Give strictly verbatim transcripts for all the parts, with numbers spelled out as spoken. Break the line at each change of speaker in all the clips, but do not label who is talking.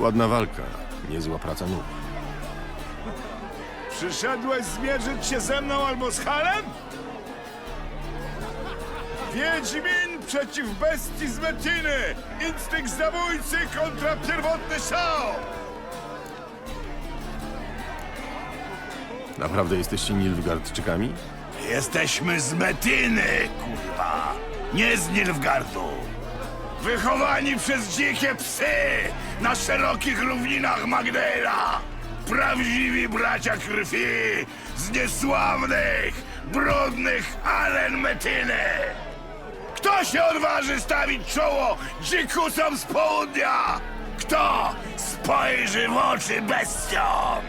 Ładna walka, niezła praca nóg.
Przyszedłeś zmierzyć się ze mną albo z Halem? Wiedźmin przeciw bestii z Metiny! Instynkt zabójcy kontra pierwotny szał!
Naprawdę jesteście Nilfgaardczykami?
Jesteśmy z Metiny, kurwa! Nie z Nilfgaardu! Wychowani przez dzikie psy na szerokich równinach Magdala! Prawdziwi bracia krwi z niesławnych, brudnych alen Metiny! Kto się odważy stawić czoło dzikusom z południa? Kto spojrzy w oczy bestiom?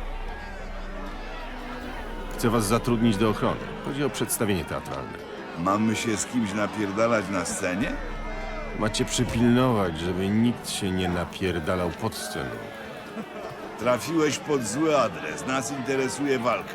Chcę was zatrudnić do ochrony. Chodzi o przedstawienie teatralne.
Mamy się z kimś napierdalać na scenie?
Macie przypilnować, żeby nikt się nie napierdalał pod sceną.
Trafiłeś pod zły adres. Nas interesuje walka.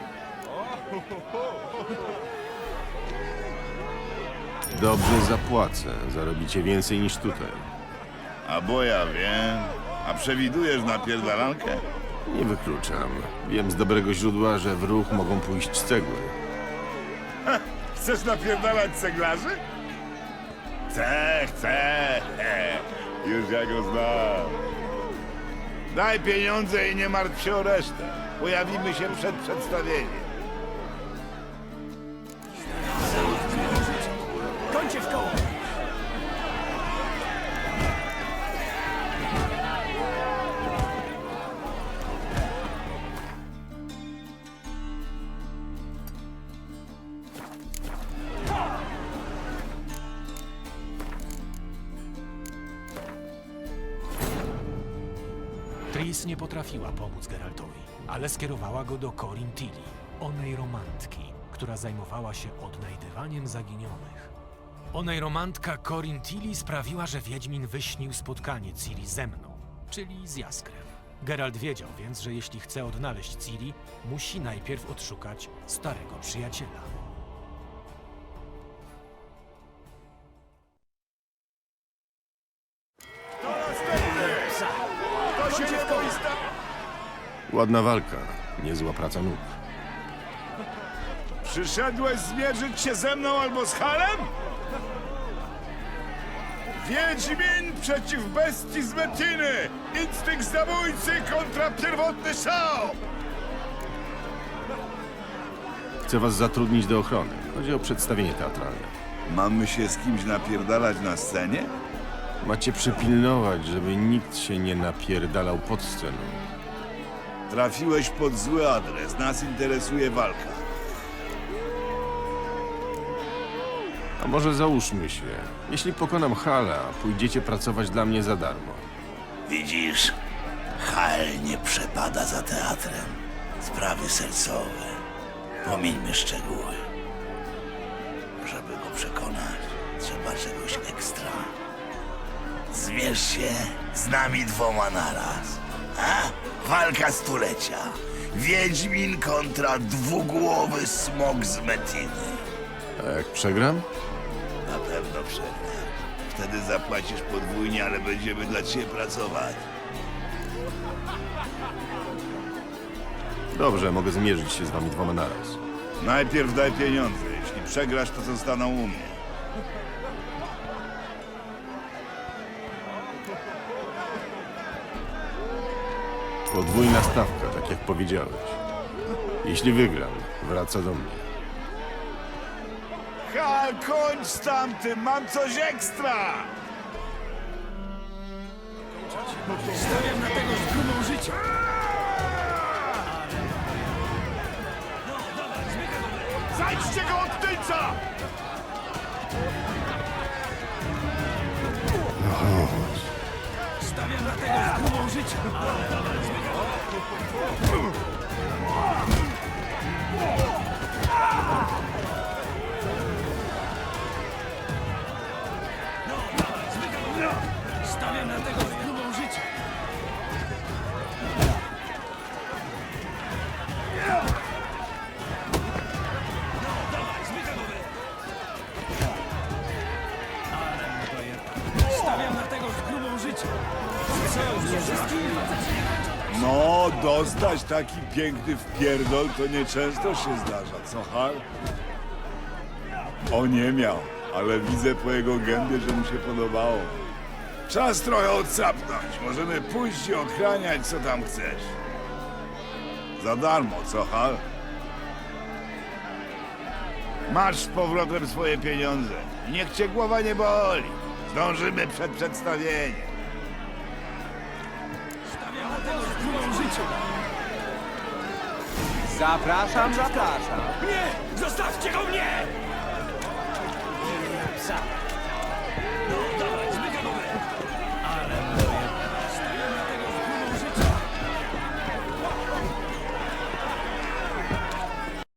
Dobrze zapłacę. Zarobicie więcej niż tutaj.
A bo ja wiem. A przewidujesz napierdalankę?
Nie wykluczam. Wiem z dobrego źródła, że w ruch mogą pójść cegły.
Chcesz napierdalać ceglarzy? Chcę, chcę. Już ja go znam. Daj pieniądze i nie martw się o resztę. Pojawimy się przed przedstawieniem.
Kończę w koło!
Tris nie potrafiła pomóc Geraltowi, ale skierowała go do Corin Tilly, onej romantki, która zajmowała się odnajdywaniem zaginionych. Onej romantka Corin Tilly sprawiła, że Wiedźmin wyśnił spotkanie Ciri ze mną, czyli z Jaskrem. Geralt wiedział więc, że jeśli chce odnaleźć Ciri, musi najpierw odszukać starego przyjaciela.
To się nie boi sta...
Ładna walka, niezła praca nóg.
Przyszedłeś zmierzyć się ze mną albo z Halem? Wiedźmin przeciw bestii z Metiny! Instynkt zabójcy kontra pierwotny szał!
Chcę was zatrudnić do ochrony. Chodzi o przedstawienie teatralne.
Mamy się z kimś napierdalać na scenie?
Macie przypilnować, żeby nikt się nie napierdalał pod sceną.
Trafiłeś pod zły adres. Nas interesuje walka.
A może załóżmy się, jeśli pokonam Hala, pójdziecie pracować dla mnie za darmo.
Widzisz, Hal nie przepada za teatrem. Sprawy sercowe. Pomińmy szczegóły. Żeby go przekonać, trzeba czegoś ekstra. Zmierz się z nami dwoma naraz. A? Walka stulecia. Wiedźmin kontra dwugłowy smok z Metiny.
A jak przegram?
Na pewno przegrasz. Wtedy zapłacisz podwójnie, ale będziemy dla ciebie pracować.
Dobrze, mogę zmierzyć się z wami dwoma naraz.
Najpierw daj pieniądze. Jeśli przegrasz, to zostaną u mnie.
Podwójna stawka, tak jak powiedziałeś. Jeśli wygram, wraca do mnie.
Hal, kończ z tamtym! Mam coś ekstra!
Stawiam na tego z grubą życia!
Zajdźcie go od tylca!
Stawiam na tego z grubą życia! Stawiam na tego z grubą życia! Stawiam na tego z grubą życia! Co już nie
No, dostać taki piękny wpierdol to nieczęsto się zdarza, co Hal? O, nie miał, ale widzę po jego gębie, że mu się podobało. Czas trochę odsapnąć. Możemy pójść i ochraniać, co tam chcesz. Za darmo, co Hal? Masz z powrotem swoje pieniądze. Niech cię głowa nie boli. Zdążymy przed przedstawieniem.
Stawiam na tego z grubą życia.
Zapraszam, zapraszam.
Nie! Zostawcie go mnie! Psa!